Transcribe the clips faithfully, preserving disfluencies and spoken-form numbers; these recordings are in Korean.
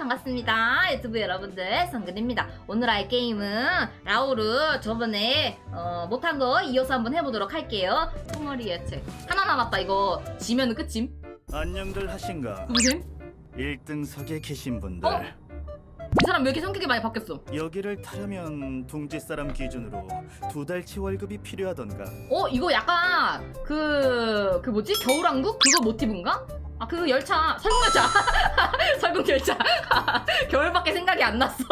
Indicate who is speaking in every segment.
Speaker 1: 반갑습니다. 유튜브 여러분들, 성근입니다. 오늘 할 게임은 라우르 저번에 어, 못한 거 이어서 한번 해보도록 할게요. 소머리 예측 하나 남았다. 이거 지면은 끝임.
Speaker 2: 안녕들 하신가?
Speaker 1: 누구심?
Speaker 2: 일 등석에 계신 분들,
Speaker 1: 어? 이 사람 왜 이렇게 성격이 많이 바뀌었어?
Speaker 2: 여기를 타려면 둥지 사람 기준으로 두 달치 월급이 필요하던가.
Speaker 1: 어? 이거 약간 그... 그 뭐지? 겨울왕국? 그거 모티브인가? 아, 그 열차, 설국열차. 설국열차. 겨울밖에 생각이 안 났어.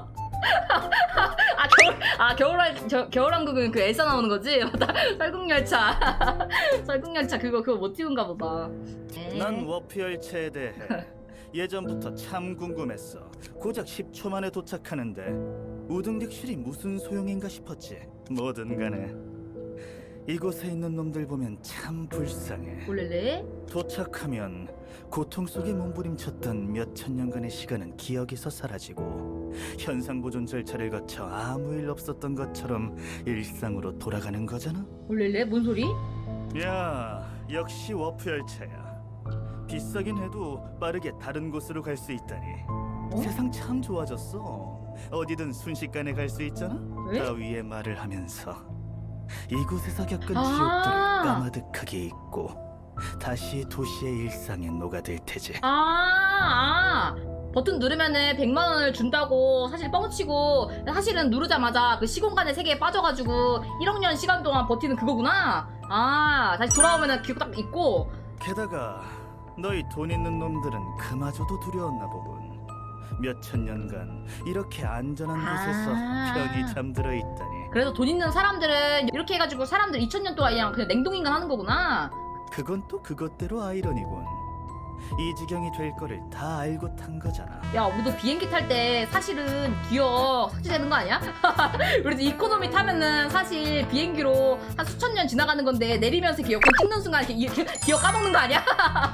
Speaker 1: 아, 겨울, 아, 겨울, 저, 겨울왕국은 그 엘사 나오는 거지? 맞다. 설국열차. 설국열차, 그거, 그거 모티브인가 보다. 네.
Speaker 2: 난 워프 열차에 대해 예전부터 참 궁금했어. 고작 십 초 만에 도착하는데 우등객실이 무슨 소용인가 싶었지. 뭐든 간에 이곳에 있는 놈들 보면 참 불쌍해.
Speaker 1: 올렐레?
Speaker 2: 도착하면 고통 속에 몸부림쳤던 몇천 년간의 시간은 기억에서 사라지고 현상 보존 절차를 거쳐 아무 일 없었던 것처럼 일상으로 돌아가는 거잖아.
Speaker 1: 올렐레? 뭔 소리?
Speaker 2: 야, 역시 워프 열차야. 비싸긴 해도 빠르게 다른 곳으로 갈 수 있다니.
Speaker 1: 어?
Speaker 2: 세상 참 좋아졌어. 어디든 순식간에 갈 수 있잖아.
Speaker 1: 왜?
Speaker 2: 따위의 말을 하면서 이곳에서 겪은
Speaker 1: 아.
Speaker 2: 지옥들을 까마득하게 잊고 다시 도시의 일상에 녹아들 테지.
Speaker 1: 아, 아. 버튼 누르면은 백만 원을 준다고 사실 뻥치고 사실은 누르자마자 그 시공간의 세계에 빠져가지고 일억 년 시간 동안 버티는 그거구나. 아, 다시 돌아오면은 기억 딱 잊고.
Speaker 2: 게다가 너희 돈 있는 놈들은 그마저도 두려웠나 보군. 몇천 년간 이렇게 안전한 곳에서
Speaker 1: 아.
Speaker 2: 편히 잠들어 있다니.
Speaker 1: 그래서 돈 있는 사람들은 이렇게 해가지고 사람들 이천 년 동안 그냥, 그냥 냉동인간 하는 거구나.
Speaker 2: 그건 또 그것대로 아이러니군. 이 지경이 될 거를 다 알고 탄 거잖아.
Speaker 1: 야, 우리도 비행기 탈 때 사실은 기억 삭제되는 거 아니야? 우리도 이코노미 타면은 사실 비행기로 한 수천 년 지나가는 건데 내리면서 기억 찍는 순간 이렇게 이- 기억 까먹는 거 아니야?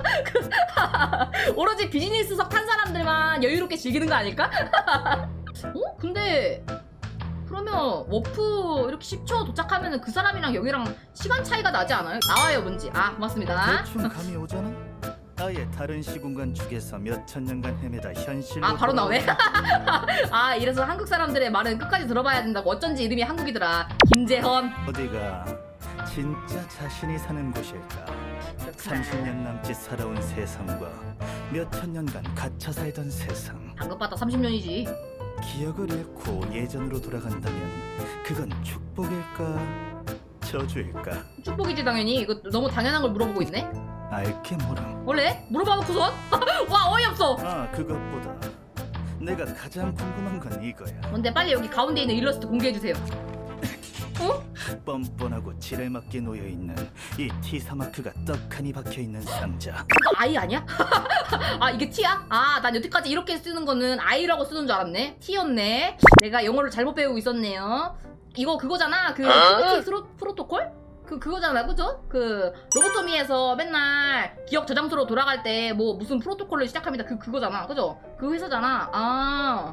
Speaker 1: 오로지 비즈니스석 탄 사람들만 여유롭게 즐기는 거 아닐까? 어? 근데 그러면 워프 이렇게 십 초 도착하면은 그 사람이랑 여기랑 시간 차이가 나지 않아요? 나와요, 뭔지. 아, 고맙습니다.
Speaker 2: 대충 감이 오잖아. 아예 다른 시공간 축에서 몇천 년간 헤매다 현실로
Speaker 1: 아, 바로 나오네?
Speaker 2: 돌아온
Speaker 1: 아, 이래서 한국 사람들의 말은 끝까지 들어봐야 된다고. 어쩐지 이름이 한국이더라. 김재헌.
Speaker 2: 어디가 진짜 자신이 사는 곳일까? 삼십 년 남짓 살아온 세상과 몇천 년간 갇혀 살던 세상.
Speaker 1: 방금봤다 삼십 년이지.
Speaker 2: 기억을 잃고 예전으로 돌아간다면 그건 축복일까? 저주일까?
Speaker 1: 축복이지 당연히. 이거 너무 당연한 걸 물어보고 있네.
Speaker 2: 알게 모름.
Speaker 1: 원래? 물어봐놓고선? 와, 어이없어.
Speaker 2: 아, 그것보다 내가 가장 궁금한 건 이거야.
Speaker 1: 뭔데, 빨리 여기 가운데 있는 일러스트 공개해주세요. 어?
Speaker 2: 뻔뻔하고 지랄맞게 놓여있는 이 티사 마크가 떡하니 박혀있는 상자.
Speaker 1: 이거 아이 아니야? 아, 이게 T야? 아, 난 여태까지 이렇게 쓰는 거는 아이라고 쓰는 줄 알았네. T였네. 내가 영어를 잘못 배우고 있었네요. 이거 그거잖아. 그 프로, 프로토콜? 그 그거잖아, 그죠? 그 로보토미에서 맨날 기억 저장소로 돌아갈 때 뭐 무슨 프로토콜을 시작합니다. 그 그거잖아, 그죠? 그 회사잖아. 아,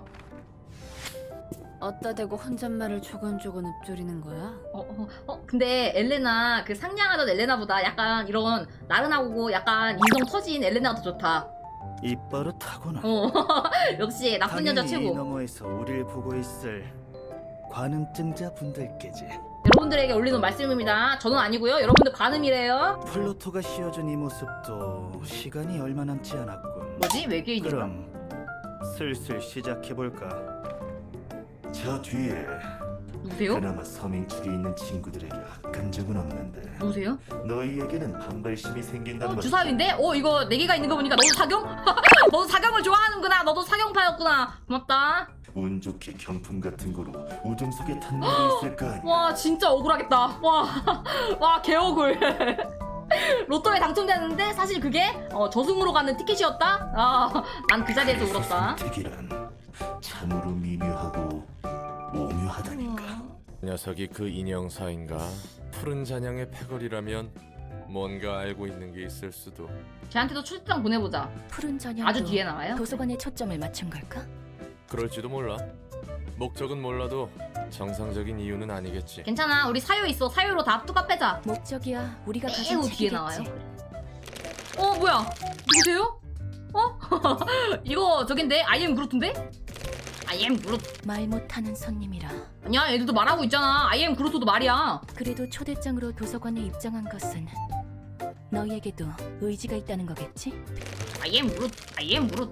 Speaker 3: 어따 대고 혼잣말을 조곤조곤 읊조리는 거야?
Speaker 1: 어, 어, 어, 근데 엘레나 그 상냥하던 엘레나보다 약간 이런 나른하고 약간 인성 터진 엘레나가 더 좋다.
Speaker 2: 입버릇하구나.
Speaker 1: 어, 역시 나쁜 여자
Speaker 2: 당연히 이
Speaker 1: 최고.
Speaker 2: 너머에서 우릴 보고 있을 관음증자 분들께지.
Speaker 1: 여러분들에게 올리는 말씀입니다. 저는 아니고요. 여러분들 관음이래요.
Speaker 2: 플루토가 씌워준 이 모습도 시간이 얼마 남지 않았군.
Speaker 1: 뭐지? 외계인인가?
Speaker 2: 그럼 슬슬 시작해볼까? 저 뒤에
Speaker 1: 누구세요?
Speaker 2: 그나마 서민축에 있는 친구들에게 악한 적은 없는데
Speaker 1: 누구세요?
Speaker 2: 너희에게는 반발심이 생긴단
Speaker 1: 어,
Speaker 2: 말이야.
Speaker 1: 주사위인데? 어, 이거 네 개가 있는 거 보니까 너도 사경? 너도 사경을 좋아하는구나. 너도 사경파였구나. 고맙다.
Speaker 2: 운 좋게 경품 같은 거로 우등 속에 탄 놈이 있을 거 아니야.
Speaker 1: 와, 진짜 억울하겠다. 와, 와, 개억울. 로또에 당첨됐는데 사실 그게 어, 저승으로 가는 티켓이었다? 아, 난 그 자리에서 울었다.
Speaker 2: 선택이란 참으로 미묘하고 오묘하다니까.
Speaker 4: 녀석이 그 인형사인가? 푸른 잔향의 패거리라면 뭔가 알고 있는 게 있을 수도.
Speaker 1: 쟤한테도 출장 보내보자.
Speaker 3: 푸른 전형도
Speaker 1: 아주 뒤에 나와요.
Speaker 3: 도서관에 초점을 맞춘 걸까?
Speaker 4: 그럴지도 몰라. 목적은 몰라도 정상적인 이유는 아니겠지.
Speaker 1: 괜찮아. 우리 사유 있어. 사유로 다 뚜까 빼자.
Speaker 3: 목적이야 우리가 가진
Speaker 1: 매우 뒤에
Speaker 3: 책이겠지.
Speaker 1: 나와요. 어, 뭐야? 누구세요? 어? 이거 저긴데? 아이엠 그루트인데? 아이엠 그루트.
Speaker 3: 말 못하는 손님이라.
Speaker 1: 아니야, 애들도 말하고 있잖아. 아이엠 그루트도 말이야.
Speaker 3: 그래도 초대장으로 도서관에 입장한 것은 너희에게도 의지가 있다는 거겠지?
Speaker 1: 아이엠 그루트, 아이엠 그루트.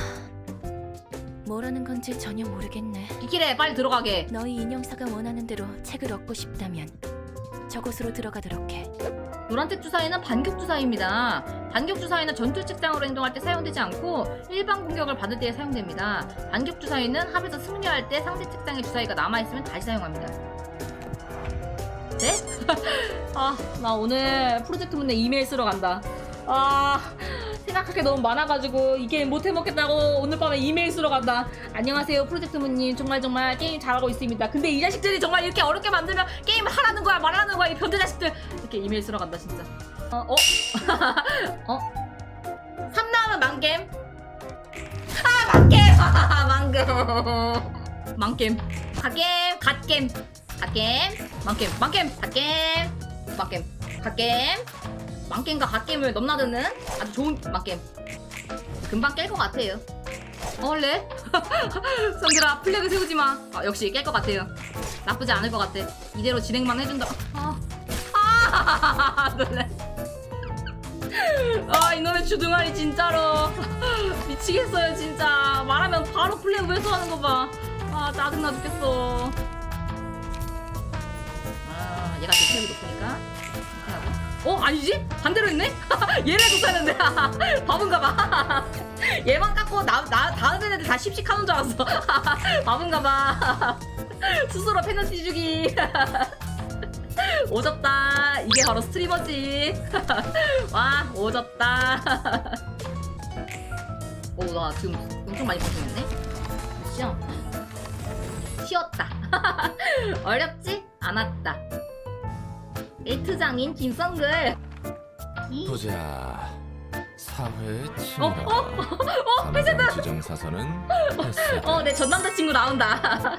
Speaker 3: 뭐라는 건지 전혀 모르겠네.
Speaker 1: 기킬해, 빨리 들어가게.
Speaker 3: 너희 인형사가 원하는 대로 책을 얻고 싶다면 저곳으로 들어가도록 해.
Speaker 1: 노란색 주사위는 반격 주사위입니다. 반격 주사위는 전투 책장으로 행동할 때 사용되지 않고 일반 공격을 받을 때 사용됩니다. 반격 주사위는 합에서 승리할 때 상대 책장에 주사위가 남아있으면 다시 사용합니다. 네? 아, 나 오늘 프로젝트 문제 이메일 쓰러 간다. 아, 생각할 게 너무 많아가지고 이게 못해먹겠다고 오늘 밤에 이메일 쓰러 간다. 안녕하세요, 프로젝트 문님. 정말 정말 게임 잘하고 있습니다. 근데 이 자식들이 정말 이렇게 어렵게 만들면 게임 하라는 거야 말하는 거야 이 변태 자식들. 이렇게 이메일 쓰러 간다 진짜. 어? 어? 어? 삼 나오면 망겜. 아, 망겜. 아, 망겜. 망겜. 갓겜. 갓겜. 갓겜. 망겜. 망겜. 갓겜. 망겜. 갓겜. 망겜과 갓겜을 넘나드는 아주 좋은 망겜. 금방 깰 것 같아요. 어, 원래? 성들아, 플래그 세우지 마. 아, 역시 깰 것 같아요. 나쁘지 않을 것 같아. 이대로 진행만 해준다. 아, 아, 놀래. 아, 이놈의 주둥아리 진짜로 미치겠어요 진짜. 말하면 바로 플래그 회수하는 거 봐. 아, 짜증나 죽겠어. 아, 얘가 제 플래그 높으니까 이렇게 하고. 어? 아니지? 반대로 했네? 얘를 줬다는데. 바본가봐. 얘만 깎고 나, 나 다른 애들 다 십식하는 줄 알았어. 바본가봐. 스스로 페널티 주기. 오졌다. 이게 바로 스트리머지. 와, 오졌다. 오, 나 지금 엄청 많이 고생했네. 쉬어. 쉬었다. 어렵지 않았다. 엘트장인 김성글.
Speaker 4: 보자. 사회
Speaker 1: 어?
Speaker 4: 친밀화.
Speaker 1: 어? 어? 회사다.
Speaker 4: 지정 사선은 패스.
Speaker 1: 어, 내 전 남자친구 나온다.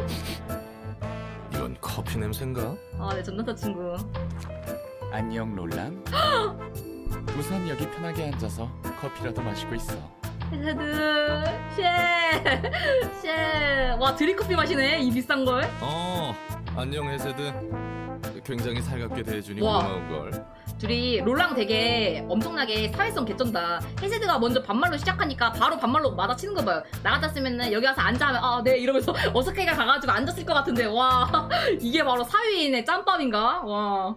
Speaker 4: 이건 커피 냄새인가?
Speaker 1: 어, 내 전 남자친구.
Speaker 5: 안녕 롤랑. 우선 여기 편하게 앉아서 커피라도 마시고 있어.
Speaker 1: 헤드 쉐. 쉐. 와, 드립커피 마시네. 이 비싼 걸.
Speaker 4: 어, 안녕 해세드. 굉장히 살갑게 대해주니
Speaker 1: 와.
Speaker 4: 고마운 걸.
Speaker 1: 둘이 롤랑 되게 엄청나게 사회성 개쩐다. 헤세드가 먼저 반말로 시작하니까 바로 반말로 맞아치는 거 봐요. 나 같았으면 여기 와서 앉아 하면 아, 네 이러면서 어색해가 가가지고 앉았을 것 같은데. 와, 이게 바로 사회인의 짬밥인가? 와.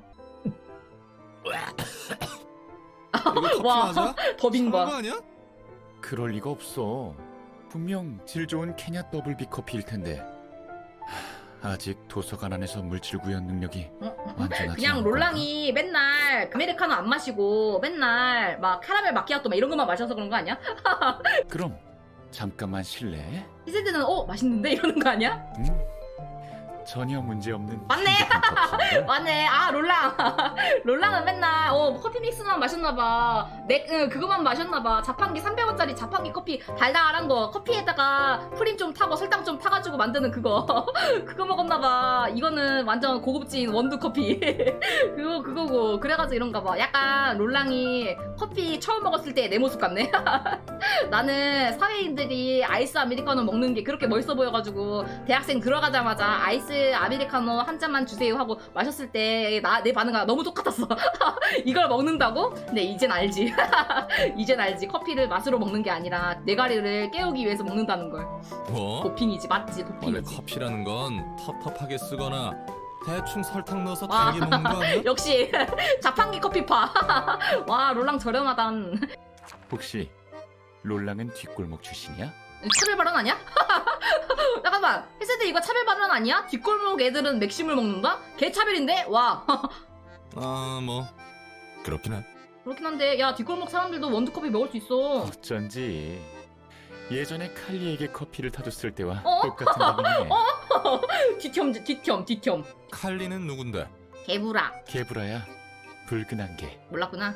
Speaker 4: 이거 커피
Speaker 1: 와,
Speaker 4: 맞아?
Speaker 1: 더빙
Speaker 4: 사는 거
Speaker 1: 봐.
Speaker 4: 아니야?
Speaker 5: 그럴 리가 없어. 분명 질 좋은 케냐 더블비 커피일 텐데. 하, 아직 도서관 안에서 물질 구현 능력이
Speaker 1: 어?
Speaker 5: 완전하지
Speaker 1: 그냥
Speaker 5: 않은
Speaker 1: 롤랑이 맨날 아메리카노 안 마시고 맨날 막 카라멜 마키아토 막 이런 것만 마셔서 그런 거 아니야?
Speaker 5: 건가? 그럼 잠깐만 실례.
Speaker 1: 히세드는 어? 맛있는데? 이러는 거 아니야?
Speaker 5: 음? 전혀 문제 없는
Speaker 1: 맞네.
Speaker 5: 신박한 커피인걸?
Speaker 1: 맞네. 아, 롤랑. 롤랑은 맨날 어 커피 믹스만 마셨나봐. 내 응, 그거만 마셨나봐. 자판기 삼백 원짜리 자판기 커피 달달한 거. 커피에다가 프림 좀 타고 설탕 좀 타가지고 만드는 그거. 그거 먹었나봐. 이거는 완전 고급진 원두 커피. 그거 그거고. 그래가지고 이런가봐. 약간 롤랑이 커피 처음 먹었을 때 내 모습 같네. 나는 사회인들이 아이스 아메리카노 먹는 게 그렇게 멋있어 보여가지고 대학생 들어가자마자 아이스 아메리카노 한 잔만 주세요 하고 마셨을 때 나 내 반응이 너무 똑같았어. 이걸 먹는다고? 근데 이젠 알지. 이젠 알지. 커피를 맛으로 먹는 게 아니라 뇌가리를 깨우기 위해서 먹는다는 걸.
Speaker 4: 뭐?
Speaker 1: 도핑이지, 맞지?
Speaker 4: 원래
Speaker 1: 도핑이지.
Speaker 4: 커피라는 건 텁텁하게 쓰거나 대충 설탕 넣어서
Speaker 1: 와.
Speaker 4: 달게 먹는 거 아니야?
Speaker 1: 역시 자판기 커피파. 와, 롤랑 저렴하단.
Speaker 5: 혹시 롤랑은 뒷골목 출신이야?
Speaker 1: 차별 발언 아니야? 잠깐만, 헤세드 이거 차별 발언 아니야? 뒷골목 애들은 맥심을 먹는다? 개 차별인데? 와.
Speaker 4: 아, 뭐 그렇긴 해.
Speaker 1: 그렇긴 한데, 야, 뒷골목 사람들도 원두커피 먹을 수 있어.
Speaker 5: 어쩐지 예전에 칼리에게 커피를 타줬을 때와
Speaker 1: 어?
Speaker 5: 똑같은 반응이네.
Speaker 1: 뒤겸, 뒤겸, 뒤겸.
Speaker 4: 칼리는 누군데?
Speaker 1: 개부라.
Speaker 5: 개브라야 붉은 안개.
Speaker 1: 몰랐구나.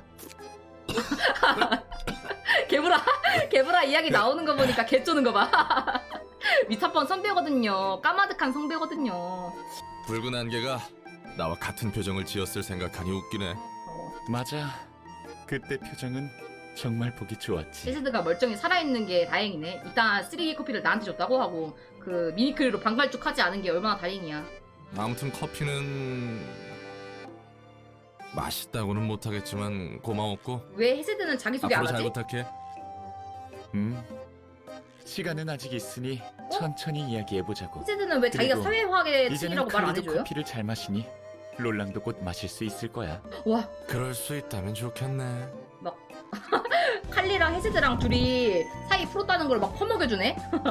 Speaker 1: 개부라, 개부라 이야기 나오는 거 보니까 개 쪼는 거 봐. 미타폰 선배거든요. 까마득한 선배거든요.
Speaker 4: 붉은 안개가 나와 같은 표정을 지었을 생각하니 웃기네.
Speaker 5: 맞아. 그때 표정은 정말 보기 좋았지.
Speaker 1: 헤세드가 멀쩡히 살아있는 게 다행이네. 일단 쓰레기 커피를 나한테 줬다고 하고 그 미니클로 반갈죽하지 않은 게 얼마나 다행이야.
Speaker 4: 아무튼 커피는 맛있다고는 못하겠지만 고마웠고
Speaker 1: 왜 헤세드는 자기소개 안
Speaker 4: 앞으로 잘
Speaker 1: 하지?
Speaker 4: 부탁해.
Speaker 5: 음. 시간은 아직 있으니 천천히 이야기해보자고.
Speaker 1: 헤세드는 왜 자기가
Speaker 5: 그리고
Speaker 1: 사회화의
Speaker 5: 이제는
Speaker 1: 층이라고 말 안
Speaker 5: 칼리도
Speaker 1: 해줘요?
Speaker 5: 커피를 잘 마시니 롤랑도 곧 마실 수 있을 거야.
Speaker 1: 와,
Speaker 4: 그럴 수 있다면 좋겠네.
Speaker 1: 칼리랑 헤세드랑 둘이 사이 풀었다는 걸 막 퍼먹여주네?